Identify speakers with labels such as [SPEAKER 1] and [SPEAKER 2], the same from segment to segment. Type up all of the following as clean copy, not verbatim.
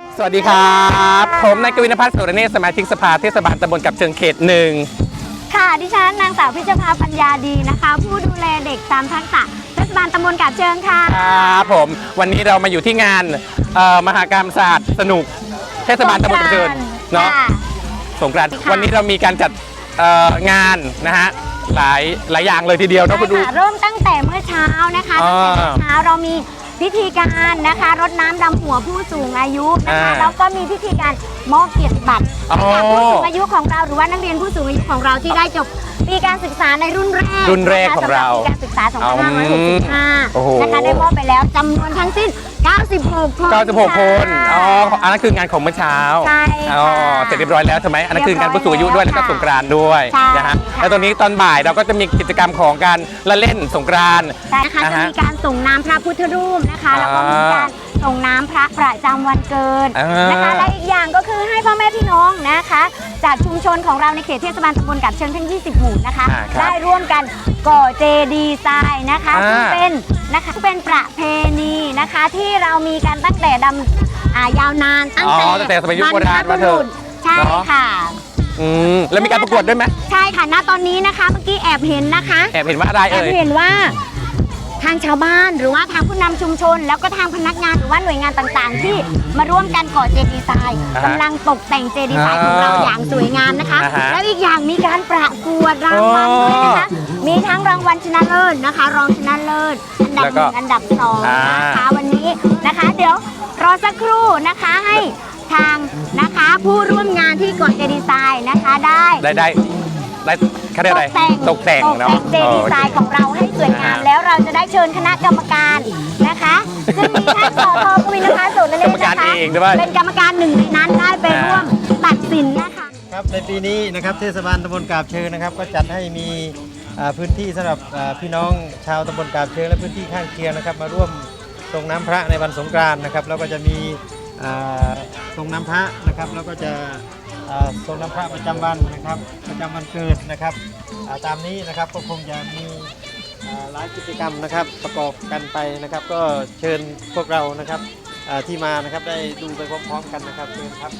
[SPEAKER 1] สวัสดีครับผมนายกวินภัทร สุรเนศ สมาชิกสภาเทศบาลตำบลกับเชิงเขตหนึ่ง
[SPEAKER 2] ค่ะดิฉันนางสาวพิชภาปัญญาดีนะคะผู้ดูแลเด็กตามทักษะเทศบาลตำบลกับเชิงค่ะ
[SPEAKER 1] ครับผมวันนี้เรามาอยู่ที่งานมหกรรมศาสตร์สนุกเทศบาลตำบลกับเชิงเนาะสงกรานต์วันนี้เรามีการจัดงานนะฮะหลายอย่างเลยทีเดียวเนาะคุณดู
[SPEAKER 2] เริ่มตั้งแต่เมื่อเช้านะคะตั้งแต่เมื่อเช้าเรามีพิธีการนะคะรดน้ำดำหัวผู้สูงอายุนะคะแล้วก็มีพิธีการมอบเกียรติบัตรให้ผู้สูงอายุของเราหรือว่านักเรียนผู้สูงอายุของเราที่ได้จบปีการศึกษาในรุ่นแรก
[SPEAKER 1] ของเรา
[SPEAKER 2] ปีการศึกษา2565นะคะได้มอบไปแล้วจำนวนทั้งสิ้น96 คน
[SPEAKER 1] อ๋ออันนั้นคืองานของเมื่อเช้า
[SPEAKER 2] ใช่
[SPEAKER 1] เสร็จเรียบร้อยแล้วใช่ไหมอันนั้นคืองานผู้สูงอายุด้วยแล้วก็สงกรานต์ด้วยนะฮะแล้วตอนนี้ตอนบ่ายเราก็จะมีกิจกรรมของการละเล่นสงกรานต์
[SPEAKER 2] นะคะจะมีการส่งน้ำพระพุทธรูปนะคะแล้วก็มีการส่งน้ำพระประจำวันเกิดนะคะและอีกอย่างก็คือให้พ่อแม่พี่น้องนะคะจากชุมชนของเราในเขตเทศบาลตำบลกับเชิงทั้ง20 หมู่นะคะได้ร่วมกันก่อเจดีย์ทรายนะคะซึ่งเป็นประเพณีนะคะที่เรามีกันตั้งแต่ยาวนานตั้งแต่
[SPEAKER 1] สมัยยุคโบราณมาเถอะ
[SPEAKER 2] ใช่ค่ะ
[SPEAKER 1] แล้วมีการประกวดด้วยไหม
[SPEAKER 2] ใช่ค่ะณตอนนี้นะคะเมื่อกี้แอบเห็นนะคะ
[SPEAKER 1] แอบเห็นว่าอะไร
[SPEAKER 2] แอบเห็นว่าทางชาวบ้านหรือว่าทางผู้นำชุมชนแล้วก็ทางพนักงานหรือว่าหน่วยงานต่างๆที่มาร่วมกันก่อเจดีย์ทรายกำลังตกแต่งเจดีย์ทรายของเราอย่างสวยงามนะคะแล้วอีกอย่างมีการประกวดรางวัลด้วยนะคะมีทั้งรางวัลชนะเลิศนะคะรองชนะเลิศอันดับ1อันดับ2นะคะวันนี้นะคะเดี๋ยวรอสักครู่นะคะให้ทางนะคะผู้ร่วมงานที่ก่อเจดีย์ทรายนะคะได้
[SPEAKER 1] เขาเรียกอะไรตกแต่งเนาะ
[SPEAKER 2] เจดีย์ทรายของเราให้สวยงามแล้วเราจะได้เชิญคณะกรรมการนะคะซึ่งมีท่านสท.กวินภัทร สุรเนศนะคะเป็นกรรมการหนึ่งในนั้นได้ไปร่วมตัดสินนะคะ
[SPEAKER 3] ครับในปีนี้นะครับเทศบาลตำบลกาบเชิงนะครับก็จัดให้มีพื้นที่สำหรับพี่น้องชาวตำบลกาบเชิงและพื้นที่ข้างเคียงนะครับมาร่วมส่งน้ำพระในวันสงกรานต์นะครับแล้วก็จะมีส่งน้ำพระนะครับแล้วก็จะส่งน้ำพระประจำวันนะครับประจำวันเกิดนะครับตามนี้นะครับก็คงจะมีหลายกิจกรรมนะครับประกอบกันไปนะครับก็เชิญพวกเรานะครับที่มานะครับได้ดูไปพร้อมๆกันนะครับเชิญครับ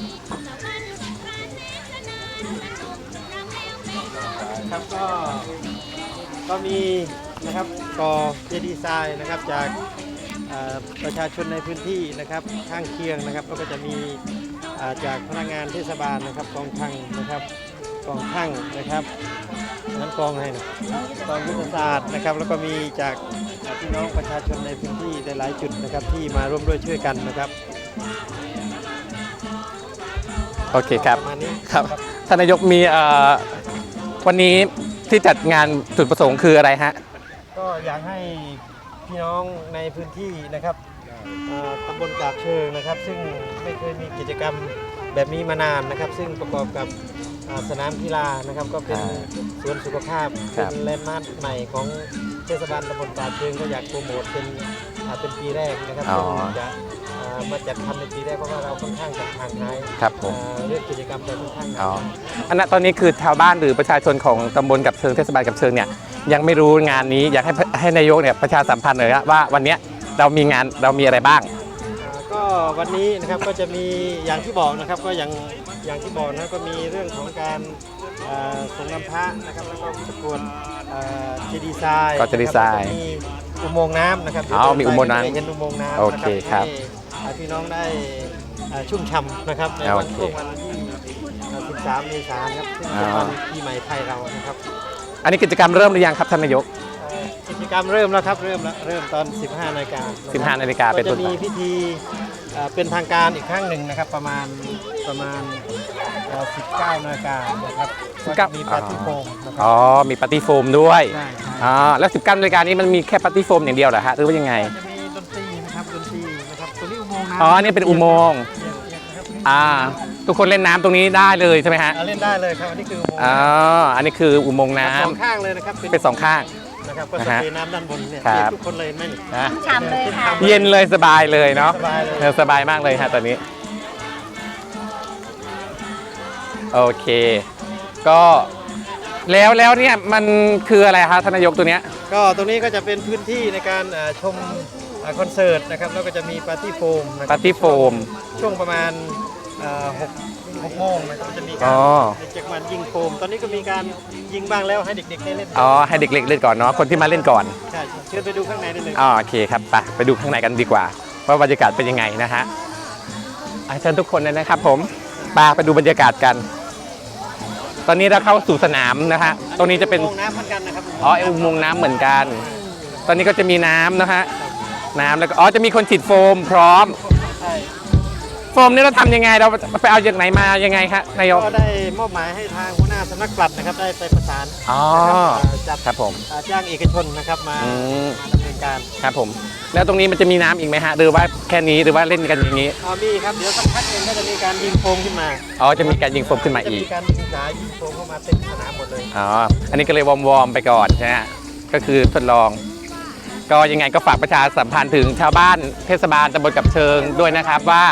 [SPEAKER 3] ครับก็มีนะครับก่อเจดีย์ทรายนะครับจากประชาชนในพื้นที่นะครับข้างเคียงนะครับแล้วก็จะมีจากพนักงานเทศบาลนะครับกองช่างนะครับกองช่างนะครับนั้นกองอะไรนะกองยุทธศาสตร์นะครับแล้วก็มีจากพี่น้องประชาชนในพื้นที่หลายจุดนะครับที่มาร่วมด้วยช่วยกันนะครับ
[SPEAKER 1] โอเคครับครับท่านนายกมีวันนี้ที่จัดงานจุดประสงค์คืออะไรฮะ
[SPEAKER 3] ก็อยากให้พี่น้องในพื้นที่นะครับตำบลกาบเชิงนะครับซึ่งไม่เคยมีกิจกรรมแบบนี้มานานนะครับซึ่งประกอบกับสนามกีฬานะครับก็เป็นสวนสุขภาพเป็นแลนด์มาร์คใหม่ของเทศบาลตำบลกาบเชิงก็อยากโปรโมทเป็นปีแรกนะครับจะมาจัดทำในปีแรกเพราะว่าเราค่อนข้างจะห่างหายเรื่องกิจกรรมไปค่อนข้าง
[SPEAKER 1] อันนั้นตอนนี้คือชาวบ้านหรือประชาชนของตำบลกับเชิงเทศบาลกับเชิงเนี่ยยังไม่รู้งานนี้อยากให้นายกเนี่ยประชาสัมพันธ์หน่อยว่าวันนี้เรามีอะไรบ้าง
[SPEAKER 3] ก็วันนี้นะครับก็จะมีอย่างที่บอกนะครับก็อย่างที่บอกนะก็มีเรื่องของการส่งน้ำพระนะครับแล้วก็ประกวดเจดีย์ทราย
[SPEAKER 1] ก็เจดีย์ทราย
[SPEAKER 3] มีอุโมงค์น้ำนะครับ
[SPEAKER 1] มีอุโมงค์น้ำ
[SPEAKER 3] เห็นอุโมงค์น้ำ
[SPEAKER 1] โอเคครับ
[SPEAKER 3] พี่น้องได้ชุ่มฉ่ำนะครับในวันที่13 เมษายนครับซึ่งเป็นวันปีใหม่ไทยเรานะครับ
[SPEAKER 1] อันนี้กิจกรรมเริ่มหรือยังครับท่านนายก
[SPEAKER 3] กิจกรรมเริ่มแล้วครับเริ่มตอน 15 นาฬิกา
[SPEAKER 1] เป็นต้น
[SPEAKER 3] จะมีพิธีเป็นทางการอีกครั้งหนึ่งนะครับประมาณ 19 นาฬิกานะครับมีปาร์ตี้โฟมนะครับ
[SPEAKER 1] มีปาร์ตี้โฟมด้วยแล้ว19 นาฬิกานี้มันมีแค่ปาร์ตี้โฟมอย่างเดียวเหรอฮะหรือว่ายังไง
[SPEAKER 3] จะมีดนตรีนะครับตัวนี้อุโมงค์
[SPEAKER 1] น้ำนี่เป็นอุโมงค์ทุกคนเล่นน้ำตรงนี้ได้เลยใช่ไหมฮะ
[SPEAKER 3] เล่นได้เลยครับอันนี้คืออุโมงค์
[SPEAKER 1] อันนี้คืออุโมงค์น้ำ
[SPEAKER 3] สองข้างเลยนะครับ
[SPEAKER 1] เป็น2 ข้าง
[SPEAKER 3] นะครับก็สเปรย์น้ำด้านบนเนี่ยทุกคนเลยไหม
[SPEAKER 2] ฉ่ำเลยค่ะ
[SPEAKER 1] เย็นเลยสบายเลยเนาะสบายมากเลยฮะตอนนี้โอเคก็แล้วเนี่ยมันคืออะไรคะท่านนายกตัวเนี้ย
[SPEAKER 3] ก็ตรงนี้ก็จะเป็นพื้นที่ในการชมคอนเสิร์ตนะครับแล้วก็จะมีปาร์ตี้โฟมนะค
[SPEAKER 1] ปา
[SPEAKER 3] รับ
[SPEAKER 1] ร์ตี้โฟม
[SPEAKER 3] ช่วงประมาณ6 โมงนะครับจะมี
[SPEAKER 1] อ๋
[SPEAKER 3] การ
[SPEAKER 1] อ
[SPEAKER 3] เด็กจากมันยิงโฟมตอนนี้ก็มีการยิงบ้างแล้วให้เด็กๆได้เล่น
[SPEAKER 1] อ๋อให้เด็กๆเล่นก่อนเนาะคนที่มาเล่นก่อน
[SPEAKER 3] ใช่เชิญไปดูข้างในได้เลย
[SPEAKER 1] อ๋อโอเคครับไปดูข้างในกันดีกว่าว่าบรรยากาศเป็นยังไงนะฮะเชิญทุกคนเลยนะครับผมไปดูบรรยากาศกัน ตอนนี้เราเข้าสู่สนามนะฮะตรงนี้จะเป็น
[SPEAKER 3] อุโมงค์น้ำเหมือนกันนะครับ
[SPEAKER 1] อุโมงค์น้ำเหมือนกัน ตอนนี้ก็จะมีน้ำนะฮะน้ำแล้วก็จะมีคนฉีดโฟมพร้อม
[SPEAKER 3] ใช่
[SPEAKER 1] โฟมนี่เราทำยังไงเราไปเอาจากไหนมายังไงครับนายก
[SPEAKER 3] ก็ได้มอบหมายให้ทางหัวหน้าสำนักปลัดนะครับได้ไปประสาน
[SPEAKER 1] อ๋อ
[SPEAKER 3] นะครับจัด
[SPEAKER 1] ครับผม
[SPEAKER 3] จ้างเอกชนนะครับมา
[SPEAKER 1] อืม
[SPEAKER 3] ดำเนินการ
[SPEAKER 1] ครับผมแล้วตรงนี้มันจะมีน้ำอีกไหมฮะหรือว่าแค่นี้หรือว่าเล่นกันอย่างนี้
[SPEAKER 3] มีครับเดี๋ยวสักพักหนึงก็จะมีการยิงโฟมขึ้นมา
[SPEAKER 1] จะมีการยิงโฟมขึ้นมา
[SPEAKER 3] จะ
[SPEAKER 1] อี
[SPEAKER 3] มี
[SPEAKER 1] ก
[SPEAKER 3] การยิงสายยิงโฟมเข้ามาเต็มสนามหมดเลย
[SPEAKER 1] อันนี้ก็เลยวอร์มๆไปก่อนนะฮะก็คือทดลอง ก็ยังไงก็ฝากประชาสัมพันธ์ถึงชาวบ้านเทศบาลตำบลกับเชิงด้วยนะครับว่า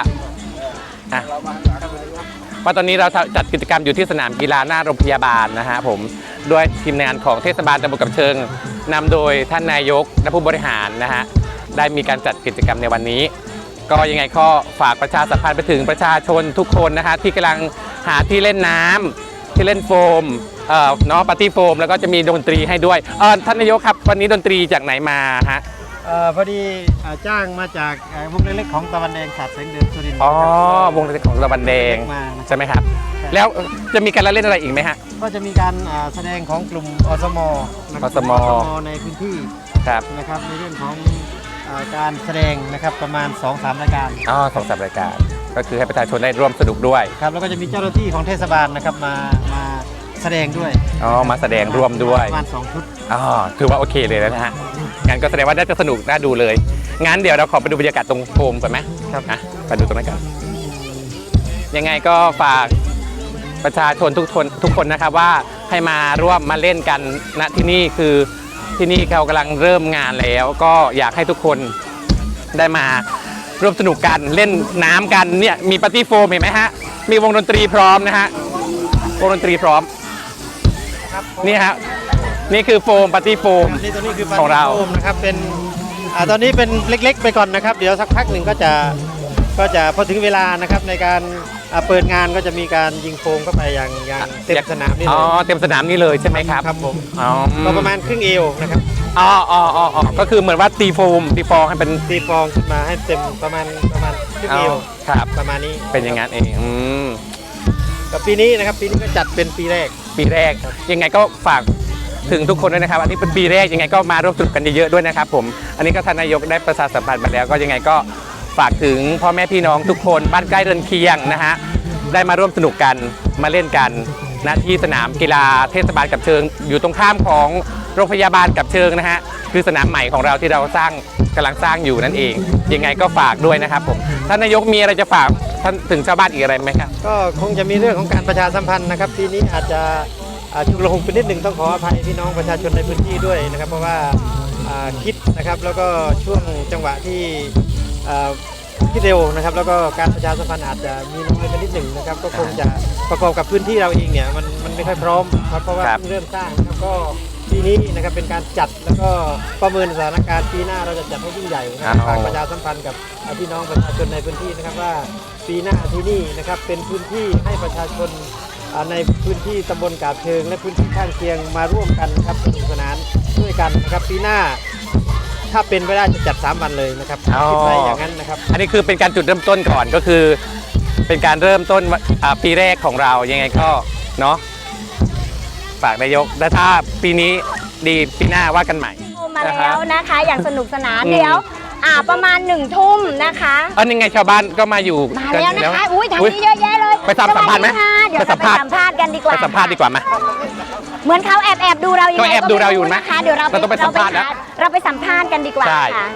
[SPEAKER 1] ตอนนี้เราจัดกิจกรรมอยู่ที่สนามกีฬาหน้าโรงพยาบาลนะฮะผมด้วยทีมงานของเทศบาลตำบลกับเชิงนำโดยท่านนายกและผู้บริหารนะฮะได้มีการจัดกิจกรรมในวันนี้ ก็ยังไงก็ฝากประชาสัมพันธ์ไปถึงประชาชนทุกคนนะฮะที่กำลังหาที่เล่นน้ำที่เล่นโฟมปาร์ตี้โฟมแล้วก็จะมีดนตรีให้ด้วยท่านนายกครับวันนี้ดนตรีจากไหนมาฮะ
[SPEAKER 3] พอดีจ้างมาจากวงเล็กๆของตะวันแดงขาดแสงเดือนสุรินทร์
[SPEAKER 1] วงดนตรีของตะวันแดง
[SPEAKER 3] มา
[SPEAKER 1] ใช่ไหมครับแล้วจะมีการละเล่นอะไรอีกไหมฮะ
[SPEAKER 3] ก็จะมีการแสดงของกลุ่มอสมนะครับ
[SPEAKER 1] อสม
[SPEAKER 3] ในพื้นที่
[SPEAKER 1] ครับ
[SPEAKER 3] นะครับในเรื่องของการแสดงนะครับประมาณ 2-3 รายการ
[SPEAKER 1] 2-3 รายการก็คือให้ประชาชนได้ร่วมสนุกด้วย
[SPEAKER 3] ครับแล้วก็จะมีเจ้าหน้าที่ของเทศบาลนะครับมาแสดงด้วย
[SPEAKER 1] มาแสดงร่วมด้วย
[SPEAKER 3] ประมาณ2 ชุด
[SPEAKER 1] ถือว่าโอเคเลยนะฮะงั้นก็แสดงว่าน่าจะสนุกน่าดูเลยงั้นเดี๋ยวเราขอไปดูบรรยากาศตรงโฟมก่อนไหม
[SPEAKER 3] ครับ
[SPEAKER 1] ไปดูตรงนั้นกันยังไงก็ฝากประชาชนทุกคนนะครับว่าให้มาร่วมมาเล่นกันณที่นี่คือที่นี่เขากำลังเริ่มงานแล้วก็อยากให้ทุกคนได้มาร่วมสนุกกันเล่นน้ำกันเนี่ยมีปาร์ตี้โฟมเห็นไหมฮะมีวงดนตรีพร้อมนะฮะวงดนตรีพร้อมนี่ฮะนี่คือโฟมปาร์ตี้โฟม
[SPEAKER 3] นี่ตัวนี้คือ
[SPEAKER 1] ของเรา
[SPEAKER 3] ปฏิโฟมนะครับเป็นตอนนี้เป็นเล็กๆไปก่อนนะครับ เดี๋ยวสักพักหนึ่งก็จะพอถึงเวลานะครับในการเปิดงานก็จะมีการยิงโฟมเข้าไปอย่างเต็มสนามนี่เลย
[SPEAKER 1] เต็มสนามนี่เลยใช่ไหมครับ
[SPEAKER 3] ครับผม
[SPEAKER 1] อ๋อ
[SPEAKER 3] ก็ประมาณครึ่งเอวนะครับ
[SPEAKER 1] ก็คือเหมือนว่าตีโฟมตีฟองให้เป็น
[SPEAKER 3] ตีฟองขึ้นมาให้เต็มประมาณครึ่งเอว
[SPEAKER 1] ครับ
[SPEAKER 3] ประมาณนี้
[SPEAKER 1] เป็นอย่างนั้นเอง
[SPEAKER 3] กับปีนี้นะครับปีนี้ก็จัดเป็นปีแรก
[SPEAKER 1] ปีแรกยังไงก็ฝากถึงทุกคนด้วยนะครับอันนี้เป็นปีแรกยังไงก็มาร่วมสนุกกันเยอะๆด้วยนะครับผมอันนี้ก็ท่านนายกได้ประชาสัมพันธ์มาแล้วก็ยังไงก็ฝากถึงพ่อแม่พี่น้องทุกคนบ้านใกล้เรือนเคียงนะฮะได้มาร่วมสนุกกันมาเล่นกันณที่สนามกีฬาเทศบาลกับเชิงอยู่ตรงข้ามของโรงพยาบาลกับเชิงนะฮะคือสนามใหม่ของเราที่เรากำลังสร้างอยู่นั่นเองยังไงก็ฝากด้วยนะครับผมท่านนายกมีอะไรจะฝากท่านถึงชาวบ้านอีกอะไรไหมครับ
[SPEAKER 3] ก็คงจะมีเรื่องของการประชาสัมพันธ์นะครับปีนี้อาจจะชุกละหุกไปนิดหนึ่งต้องขออภัยพี่น้องประชาชนในพื้นที่ด้วยนะครับเพราะว่าคิดนะครับแล้วก็ช่วงจังหวะที่คิดเร็วนะครับแล้วก็การประชาสัมพันธ์อาจจะมีน้อยไปนิดหนึ่งนะครับก็คงจะประกอบกับพื้นที่เราเองเนี่ยมันไม่ค่อยพร้อมครับเพราะว่าเพิ่งเริ่มสร้างนะครับก็ปีนี้นะครับเป็นการจัดแล้วก็ประเมินสถานการณ์ปีหน้าเราจะจัดให้ยิ่งใหญ่นะครับฝากประชาสัมพันธ์กับพี่น้องประชาชนในพื้นที่นะครับว่าปีหน้าที่นี่นะครับเป็นพื้นที่ให้ประชาชนในพื้นที่ตำบลกาบเชิงและพื้นที่ข้างเคียงมาร่วมกันครับสนุกสนานด้วยกันนะครับปีหน้าถ้าเป็นไปได้จะจัด3 วันเลยนะครับคิดไว้อย่างนั้นนะครับ
[SPEAKER 1] อันนี้คือเป็นการจุดเริ่มต้นก่อนก็คือเป็นการเริ่มต้นปีแรกของเรายังไงก็เนาะฝากนายกและถ้าปีนี้ดีปีหน้าว่ากันใหม่
[SPEAKER 2] มาแล้วนะคะอย่างสนุกสนานเดี๋ยวประมาณ1 ทุ่มนะคะ
[SPEAKER 1] ยังไงชาวบ้านก็มาอยู่
[SPEAKER 2] มาแล้วนะคะอุ้ยทางนี้เยอะแยะเลย
[SPEAKER 1] ไปสัมภาษณ์ไหม
[SPEAKER 2] เดี๋ยวเราไปสัมภาษณ์กันดีกว่า
[SPEAKER 1] ไปสัมภาษณ์ดีกว่าไหม
[SPEAKER 2] เหมือนเขาแอบดูเราอยู่
[SPEAKER 1] ก็แอบดูเราอยู่นะ
[SPEAKER 2] นะคะเดี๋ยวเรา
[SPEAKER 1] ต้องไปสัมภาษณ์นะ
[SPEAKER 2] เราไปสัมภาษณ์กันดีกว่า
[SPEAKER 1] ใช่
[SPEAKER 2] ค่ะ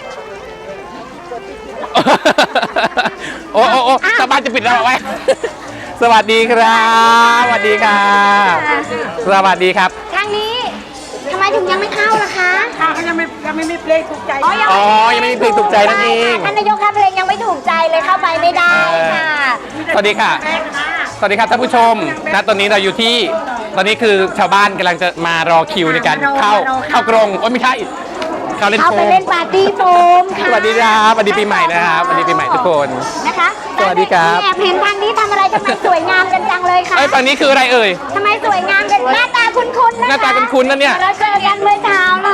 [SPEAKER 1] โอ้ชาวบ้านจะปิดเราไว้ สวัสดีครับสวัสดีครับสวัสดีครับ
[SPEAKER 2] ทางนี้ทำไมถึงยังไม่เข้าล่ะคะ
[SPEAKER 4] เขายังไม่มีเพลงถูกใจ
[SPEAKER 1] ยังไม่มีเพลงถูกใจนั่นเอง
[SPEAKER 2] ท่านนายกครับเพลงยังไม่ถูกใจเลยเข้าไปไม่ได้ค่ะ
[SPEAKER 1] สวัสดีค่ะ สวัสดีครับท่านผู้ชมณตอนนี้เราอยู่ที่ตอนนี้คือชาวบ้านกำลังจะมารอคิวในการเข้ากรงไม่ใช่เขาเล่น
[SPEAKER 2] เขา
[SPEAKER 1] โฟ
[SPEAKER 2] ไป
[SPEAKER 1] ม
[SPEAKER 2] เล่นปาร์ตี้โฟมค่ะ
[SPEAKER 1] สวัสดีครับสวัสดีปีใหม่นะครับสวัสดีปีใหม่ทุกคน
[SPEAKER 2] นะคะ
[SPEAKER 1] สวัสดีครับ
[SPEAKER 2] แอบเห็นทางนี้ทำอะไรทำไมสวยงามกันจังเลยค่ะ
[SPEAKER 1] เอ้ยฝั่งนี้คืออะไรเอ่ย
[SPEAKER 2] ทำไมสวยงามกันหน้าตาคุ้นๆนะคะ
[SPEAKER 1] หน้าตาคุ้นๆนะเนี่ย
[SPEAKER 2] เราเจอกันเมื่อเช้าเลย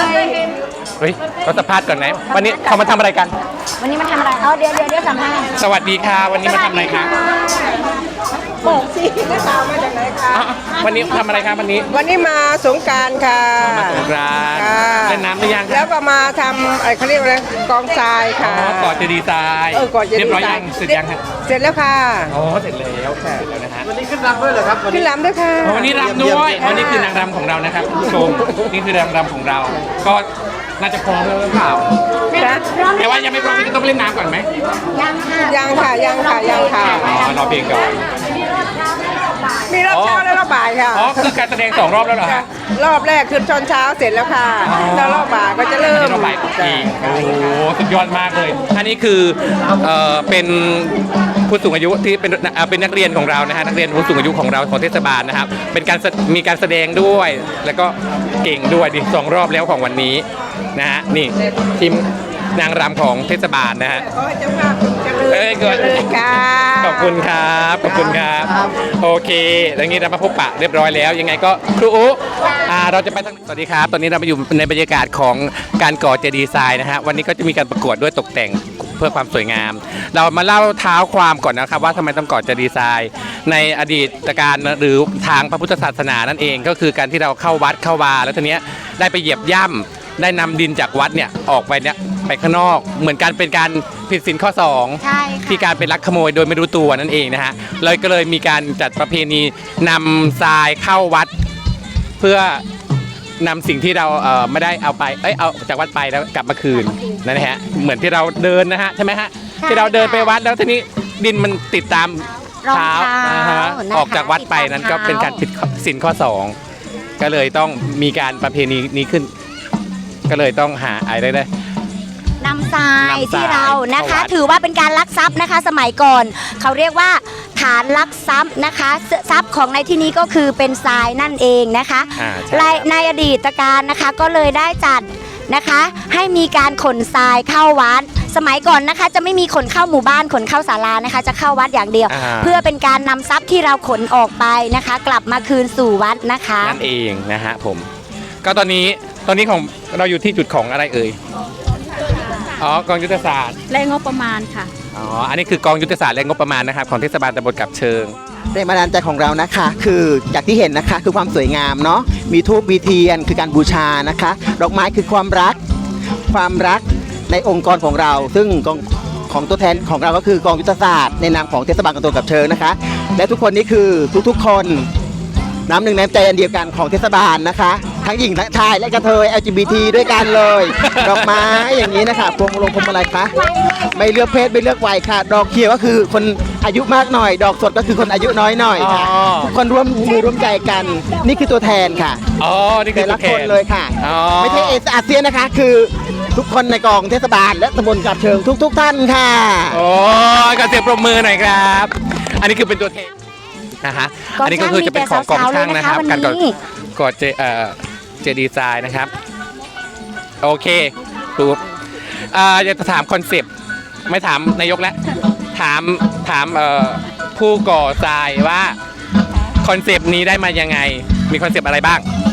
[SPEAKER 1] เฮ้ยเราสัมภาษณ์ก่อนไหมวันนี้เขามาทำอะไรกัน
[SPEAKER 2] วันนี้มาทำอะไรเดี๋ยวสัมภาษณ์
[SPEAKER 1] สวัสดีค่ะวันนี้มาทำอะไรคะ
[SPEAKER 4] บอกสินักข่าวมาจากไหนคะ
[SPEAKER 1] อ๋อวันนี้ทำอะไรครับวันนี้
[SPEAKER 4] วันนี้มาสงกรารค่ะ
[SPEAKER 1] มาสงกรานต์
[SPEAKER 4] ค่ะ
[SPEAKER 1] เล่นน้ำหรือยัง
[SPEAKER 4] แล้วก็มาทำเขาเรียกว่าอะไรกองทราย
[SPEAKER 1] อ๋
[SPEAKER 4] ค่ะ
[SPEAKER 1] อก่อนจะดีไซน์
[SPEAKER 4] ก่อนจะ
[SPEAKER 1] เรียบร้อย
[SPEAKER 4] ดีไซ
[SPEAKER 1] ยัง
[SPEAKER 4] น์
[SPEAKER 1] เสร็จยังฮะ
[SPEAKER 4] เสร็จแล้วค่ะ
[SPEAKER 1] อ๋อเสร็จแล้วเสร็จแล้วนะฮะ
[SPEAKER 3] วันนี้ขึ้นรำด้วยเหรอครับวัน
[SPEAKER 4] ขึ้
[SPEAKER 3] นี้
[SPEAKER 4] นลำด้วยค่ะ
[SPEAKER 1] อ๋อวันนี้รำด้วยอ๋อนี่คือนางรำของเรานะครับคุณผู้ชมนี่คือนางรำของเรา ก็น่าจะพร้อมแล้วหรือเปล่า
[SPEAKER 4] นะ
[SPEAKER 1] แต่ว่ายังไม่พร้อมต้องไปเล่นน้ำก่อนไหม
[SPEAKER 2] ยังค่ะ
[SPEAKER 4] ยังค่ะยังค่ะยังค่ะ
[SPEAKER 1] อ๋อรอเพลงก่อน
[SPEAKER 4] มีรอบเช้าและรอบบ่ายค่ะ
[SPEAKER 1] อ๋อคือการแสดง2 รอบแล้วเหรอฮะ
[SPEAKER 4] รอบแรกคือตอนเช้าเสร็จแล้วค่ะแล้วรอบบ่ายก็จะเริ่ม
[SPEAKER 1] ที่เราบ่ายอีกโอ้โหสุดยอดมากเลย อันนี้คือเป็นผู้สูงอายุที่เป็นนักเรียนของเรานะฮะนักเรียนผู้สูงอายุของเราของเทศบาลนะครับเป็นการมีการแสดงด้วย แล้วก็เก่งด้วยดิ2 รอบแล้วของวันนี้นะฮะนี่ทีมนางรำของเทศบาลนะฮะ
[SPEAKER 4] ขอให้เจ้าภาพเจริญ
[SPEAKER 1] เอ้ยเกิด
[SPEAKER 4] เจริญค่ะ
[SPEAKER 1] ขอบคุณครับขอบคุณครับโอเคแล้วงี้เรามาพบปะเรียบร้อยแล้วยังไงก็ครูอุเราจะไปทางสวัสดีครับตอนนี้เรามาอยู่ในบรรยากาศของการก่อเจดีย์ทรายนะฮะวันนี้ก็จะมีการประกวดด้วยตกแต่งเพื่อความสวยงาม เรามาเล่าเท้าความก่อนนะครับว่าทำไมต้องก่อเจดีย์ทรายในอดีตการหรือทางพระพุทธศาสนานั่นเองก็คือการที่เราเข้าวัดเข้าวาแล้วทีเนี้ยได้ไปเหยียบย่ำได้นำดินจากวัดเนี่ยออกไปเนี่ยไปข้างนอกเหมือนการเป็นการผิดศีลข้อ 2
[SPEAKER 2] ใช่ค่ะ
[SPEAKER 1] ที่การเป็นลักขโมยโดยไม่รู้ตัวนั่นเองนะฮะเลยก็เลยมีการจัดประเพณีนำทรายเข้าวัด เพื่อนำสิ่งที่เราไม่ได้เอาไปเอาจากวัดไปแล้วกลับมาคืนนั่นนะฮะเหมือนที่เราเดินนะฮะใช่ไหมฮะ
[SPEAKER 2] ใช่
[SPEAKER 1] ที่เราเดินไปวัดแล้วทีนี้ดินมันติดตาม
[SPEAKER 2] รอง
[SPEAKER 1] เท้า
[SPEAKER 2] เท้า
[SPEAKER 1] นะฮะ
[SPEAKER 2] นะคะ
[SPEAKER 1] ออกจากวัดไปนั้นก็เป็นการผิดศีลข้อ 2 ก็เลยต้องมีการประเพณีนี้ขึ้น ก็เลยต้องหาอะไรได้
[SPEAKER 2] นำทราย
[SPEAKER 1] นำทราย
[SPEAKER 2] ที่เรานะคะ
[SPEAKER 1] เข้าวัด
[SPEAKER 2] ถือว่าเป็นการลักทรัพย์นะคะ สมัยก่อน เขาเรียกว่าฐานลักทรัพย์นะคะทรัพย์ของในที่นี้ก็คือเป็นทรายนั่นเองนะคะ
[SPEAKER 1] ใช่
[SPEAKER 2] ในอดีตการนะคะก็เลยได้จัดนะคะ ให้มีการขนทรายเข้าวัด สมัยก่อนนะคะ จะไม่มีขนเข้าหมู่บ้านขนเข้าศาลานะคะ จะเข้าวัดอย่างเดียว เพื่อเป็นการนำทรัพย์ที่เราขนออกไปนะคะ กลับมาคืนสู่วัดนะคะ
[SPEAKER 1] นั่นเองนะฮะผมก็ตอนนี้ของเราอยู่ที่จุดของอะไรเอ่ยอ๋อกองยุทธศาสตร์
[SPEAKER 5] และงบประมาณค่ะ
[SPEAKER 1] อ๋ออันนี้คือกองยุทธศาสตร์และงบประมาณนะครับของเทศบาลตำบลกับเชิง
[SPEAKER 6] แรงบันดาลใจของเรานะคะคืออย่างที่เห็นนะคะคือความสวยงามเนาะมีธูปมีเทียนคือการบูชานะคะ ดอกไม้คือความรักในองค์กรของเรา ซึ่งของตัวแทนของเราก็คือกองยุทธศาสตร์ในนามของเทศบาลตำบลกับเชิงนะคะ และทุกคนนี่คือทุกๆคนน้ำหนึ่งน้ำใจอันเดียวกันของเทศบาลนะคะ ทั้งหญิงทั้งชายและกระเทย LGBT ด้วยกันเลย ดอกไม้อย่างนี้นะคะพวงมาลัยคะไม่เลือกเพศไม่เลือกวัยค่ะ ดอกเขียวก็คือคนอายุมากหน่อย ดอกสดก็คือคนอายุน้อยหน่อยค่ะ
[SPEAKER 1] อ๋อ
[SPEAKER 6] ทุกคนร่วมมือร่วมใจกัน นี่คือตัวแทนค่ะ
[SPEAKER 1] อ๋อนี่คือ
[SPEAKER 6] แต่ละ
[SPEAKER 1] ตัวแท
[SPEAKER 6] คนเลยค่ะ
[SPEAKER 1] อ๋อ
[SPEAKER 6] ไม่ใช่อาเซียนนะคะ คือทุกคนในกองเทศบาลและตำบลกับเชิงทุกท่านค่ะ
[SPEAKER 1] โอ้ก็เสียงปรบมือหน่อยครับ อันนี้คือเป็นตัวแทนนะฮะอันนี้ก็คือจะเป็นของกองช่างนะครับการก่อเจดีย์ทรายนะครับโอเคปุ๊บอยากจะถามคอนเซปต์ไม่ถามนายกแล้วถามผู้ก่อทรายว่าคอนเซปต์นี้ได้มายังไงมีคอนเซปต์อะไรบ้าง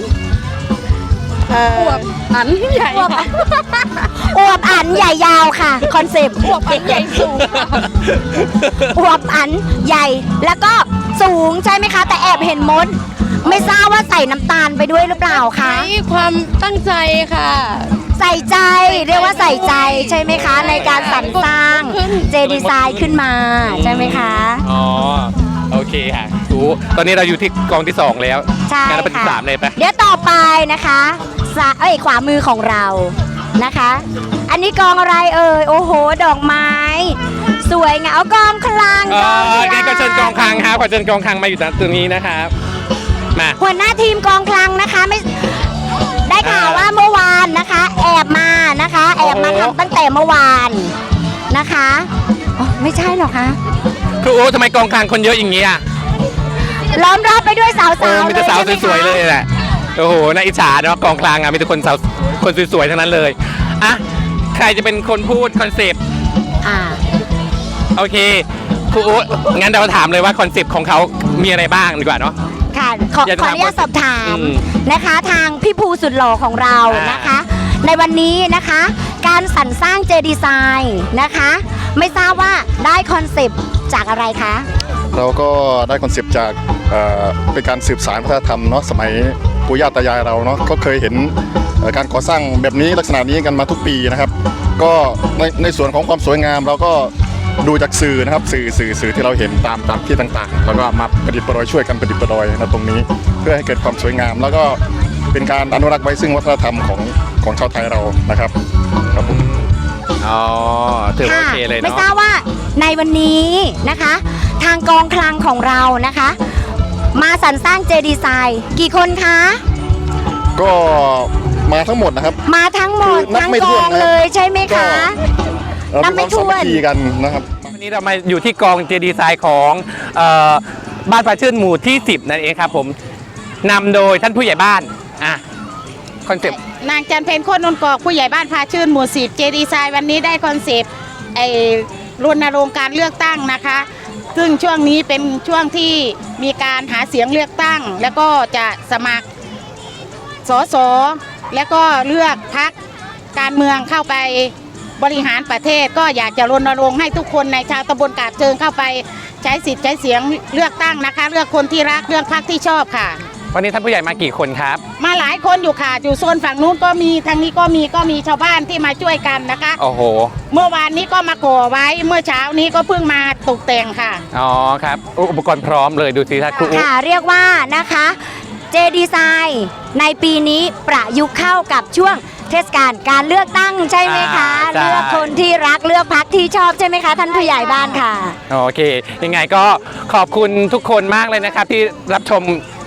[SPEAKER 5] อันใหญ่ค่ะ
[SPEAKER 2] อวบอันใหญ่ยาวค่ะคอนเซปต์
[SPEAKER 5] อวบอันใหญ่สูงค่ะ
[SPEAKER 2] อวบอันใหญ่แล้วก็สูงใช่ไหมคะ แต่แอบเห็นมด ไม่ทราบว่าใส่น้ำตาลไปด้วยหรือเปล่าคะ
[SPEAKER 5] ใช้ความตั้งใจค่ะ
[SPEAKER 2] ใส่ใจเรียกว่าใส่ใจใช่ไหมคะ ในการสรรสร้างเจดีย์ทรายขึ้นมาใช่ไหมคะ
[SPEAKER 1] อ๋อโอเคค่ะรู้ตอนนี้เราอยู่ที่กองที่ 2 แล้ว
[SPEAKER 2] ใช่
[SPEAKER 1] งั้นเราไปที่
[SPEAKER 2] ค่ะ
[SPEAKER 1] 3เลยปะ
[SPEAKER 2] เดี๋ยวต่อไปนะคะขวามือของเรานะคะ อันนี้กองอะไรเอ่ยโอ้โหดอกไม้ สวยงามเอากองคลัง
[SPEAKER 1] อ๋อก
[SPEAKER 2] องคลั
[SPEAKER 1] งั้นก็เชิญกองคลังครับขอเชิญกองคลังมาอยู่ตรงนี้นะครับมา
[SPEAKER 2] หัวหน้าทีมกองคลังนะคะไม่ได้ข่าวว่าเมื่อวานนะคะ แอบมานะคะ แอบมาทำตั้งแต่เมื่อวานนะคะอ๋อไม่ใช่หรอคะ
[SPEAKER 1] ครูโอ้ทำไมกองคลังคนเยอะอย่างนี้อ่ะ
[SPEAKER 2] ล้อมรอบไปด้วยสาว
[SPEAKER 1] โอ้
[SPEAKER 2] ๆ
[SPEAKER 1] มีแต่สาว
[SPEAKER 2] ใช่ไห
[SPEAKER 1] สวยๆเลยแหละโอ้โหน่าอิจฉาเนาะกองกลางมีแต่คนสาวคนสวยๆทั้งนั้นเลยอ่ะใครจะเป็นคนพูดคอนเซปต์
[SPEAKER 2] อ่า
[SPEAKER 1] โอเคครูอุ๊งั้นเราถามเลยว่าคอนเซปต์ของเขามีอะไรบ้างดีกว่าเนาะ
[SPEAKER 2] ค่ะขอ
[SPEAKER 1] อยากจะ
[SPEAKER 2] ขอ
[SPEAKER 1] ถาม
[SPEAKER 2] อนุญาตสอบถาม
[SPEAKER 1] อืม
[SPEAKER 2] นะคะ ทางพี่ภูสุดหล่อของเรานะคะ ในวันนี้นะคะ การสรรสร้างเจดีไซน์นะคะ ไม่ทราบว่าได้คอนเซปต์จากอะไรคะ
[SPEAKER 7] เราก็ได้คอนเซปต์จากเป็นการสืบสานวัฒนธรรมเนาะสมัยปู่ย่าตายายเราเนาะก็เคยเห็นการก่อสร้างแบบนี้ลักษณะนี้กันมาทุกปีนะครับ ก็ในส่วนของความสวยงามเราก็ดูจากสื่อนะครับสื่อที่เราเห็นตามที่ต่างๆ แล้วก็มาประดิษฐ์ประดอยช่วยกันประดิษฐ์ประดอยนะตรงนี้ เพื่อให้เกิดความสวยงาม แล้วก็เป็นการอนุรักษ์ไว้ซึ่งวัฒนธรรมของชาวไทยเรานะครับครับผม
[SPEAKER 1] อ๋อถือว่าโอเคเลย
[SPEAKER 2] ไม่
[SPEAKER 1] เนาะ
[SPEAKER 2] ทราบว่าในวันนี้นะคะ ทางกองคลังของเรานะคะ มาสรรสร้างเจดีไซน์กี่คนคะ
[SPEAKER 7] ก็มาทั้งหมดนะครับ
[SPEAKER 2] มาทั้งหมด
[SPEAKER 7] คือนับ
[SPEAKER 2] ทั้ง
[SPEAKER 7] ไม่
[SPEAKER 2] ก
[SPEAKER 7] ถ้ว
[SPEAKER 2] อน ง
[SPEAKER 7] นะครับ
[SPEAKER 2] เลยใช่ไหมคะ
[SPEAKER 7] เรา
[SPEAKER 2] นับ
[SPEAKER 7] มี
[SPEAKER 2] ไม่
[SPEAKER 7] ความ
[SPEAKER 2] ถ้วน
[SPEAKER 7] สามัคคีกันนะครับ
[SPEAKER 1] วันนี้เรามาอยู่ที่กองเจดีไซน์ของบ้านพระชื่นหมู่ที่ 10 นั่นเองครับผมนำโดยท่านผู้ใหญ่บ้านอ่ะคอนเซปต์
[SPEAKER 5] นางจันเพนโคตรนนกอกผู้ใหญ่บ้านพาชื่นหมู่10เจดีไซน์วันนี้ได้คอนเซปต์รณรงค์การเลือกตั้งนะคะ ซึ่งช่วงนี้เป็นช่วงที่มีการหาเสียงเลือกตั้ง แล้วก็จะสมัครสสแล้วก็เลือกพรรคการเมืองเข้าไปบริหารประเทศ ก็อยากจะรณรงค์ให้ทุกคนในชาวตำบลกาบเชิงเข้าไปใช้สิทธิ์ใช้เสียงเลือกตั้งนะคะ เลือกคนที่รักเลือกพรรคที่ชอบค่ะ
[SPEAKER 1] วันนี้ท่านผู้ใหญ่มากี่คนครับ
[SPEAKER 5] มาหลายคนอยู่ค่ะอยู่โซนฝั่งนู้นก็มีทางนี้ก็มีชาวบ้านที่มาช่วยกันนะคะ
[SPEAKER 1] โอ้โห
[SPEAKER 5] เมื่อวานนี้ก็มาก่อไว้เมื่อเช้านี้ก็เพิ่งมาตกแต่งค่ะ
[SPEAKER 1] อ๋อครับอุปกรณ์พร้อมเลยดูสิท่านครูอุ๊
[SPEAKER 2] ค่ะเรียกว่านะคะเจดีไซน์ในปีนี้ประยุกต์เข้ากับช่วงเทศกาลการเลือกตั้งใช่ไหมคะ
[SPEAKER 1] ใช่
[SPEAKER 2] เลือกคนที่รักเลือกพรรคที่ชอบใช่ไหมคะท่านผู้ใหญ่บ้านค่ะ
[SPEAKER 1] โอเค ยังไงก็ขอบคุณทุกคนมากเลยนะครับที่รับชม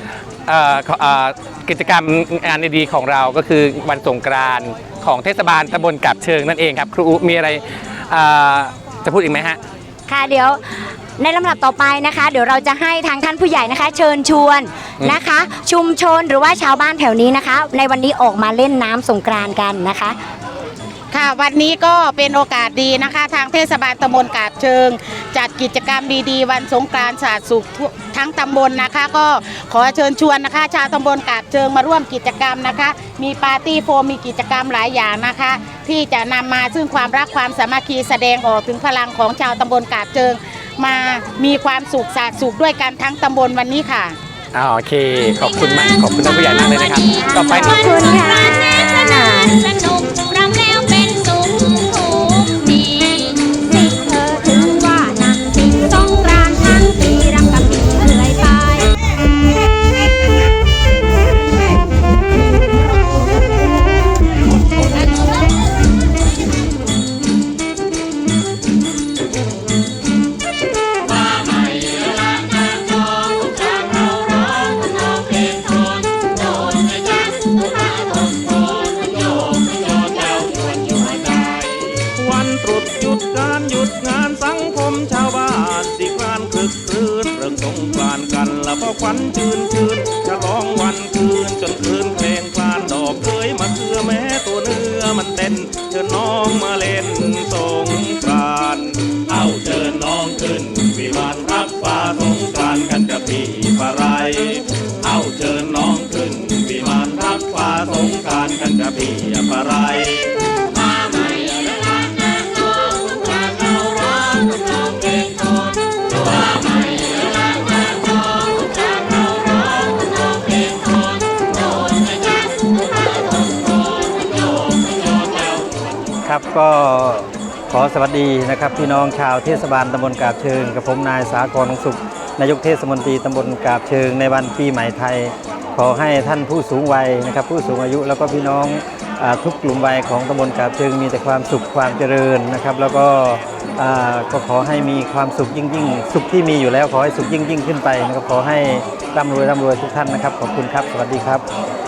[SPEAKER 1] กิจกรรมงานดีๆของเราก็คือวันสงกรานต์ของเทศบาลตำบลกาบเชิงนั่นเองครับครูอุ๊มีอะไรจะพูดอีกไหมฮะ
[SPEAKER 2] ค่ะเดี๋ยวในลำดับต่อไปนะคะ เดี๋ยวเราจะให้ทางท่านผู้ใหญ่นะคะ เชิญชวนนะคะ ชุมชนหรือว่าชาวบ้านแถวนี้นะคะ ในวันนี้ออกมาเล่นน้ำสงกรานต์กันนะคะ
[SPEAKER 5] ค่ะวันนี้ก็เป็นโอกาสดีนะคะ ทางเทศบาลตำบลกาบเชิง จัดกิจกรรมดีๆ วันสงกรานต์ศาสตร์สุขทั้งตำบลนะคะ ก็ขอเชิญชวนนะคะ ชาวตำบลกาบเชิงมาร่วมกิจกรรมนะคะ มีปาร์ตี้โฟมมีกิจกรรมหลายอย่างนะคะ ที่จะนำมาซึ่งความรักความสามัคคีแสดงออกถึงพลังของชาวตำบลกาบเชิง มามีความสุขศาสตร์สุขด้วยกันทั้งตำบลวันนี้ค่ะ
[SPEAKER 1] โอเค ขอบคุณมาก ขอบคุณท่านผู้ใหญ่มากเลยนะครับ ต่อไป
[SPEAKER 2] ขอบคุณค่ะ
[SPEAKER 8] สนุกรำแล้วเป็นสุขดีสิเธอถึงว่านักสิสงกรานต์ทั้งปีรำกับปีเรื่อยไป
[SPEAKER 9] วันตรุษหยุดการหยุดงานสังคมชาวบ้านสิกรานคลึกครื้นเรื่องสงกรานต์กันละเพราะควันชื่นฉลองวันคืนจนคืนเพลงคลานดอกเคยมาเคือแม้ตัวเนื้อมันเต้นเชิญน้องมาเล่นสงกรานต์เอาเชิญน้องขึ้นวิมานรับฟ้าสงกรานต์กันกับพี่ปะไรเอาเชิญน้องขึ้นวิมานรับฟ้าสงกรานต์กันกับพี่ปะไร
[SPEAKER 3] ครับก็ขอสวัสดีนะครับพี่น้องชาวเทศบาลตำบลกาบเชิงกับผมนายสากรสุขนายกเทศมนตรีตำบลกาบเชิงในวันปีใหม่ไทย ขอให้ท่านผู้สูงวัยนะครับผู้สูงอายุแล้วก็พี่น้องทุกกลุ่มวัยของตำบลกาบเชิงมีแต่ความสุขความเจริญนะครับแล้วก็ขอให้มีความสุขยิ่งสุขที่มีอยู่แล้วขอให้สุขยิ่งขึ้นไปนะครับขอให้ร่ำรวยทุกท่านนะครับขอบคุณครับสวัสดีครับ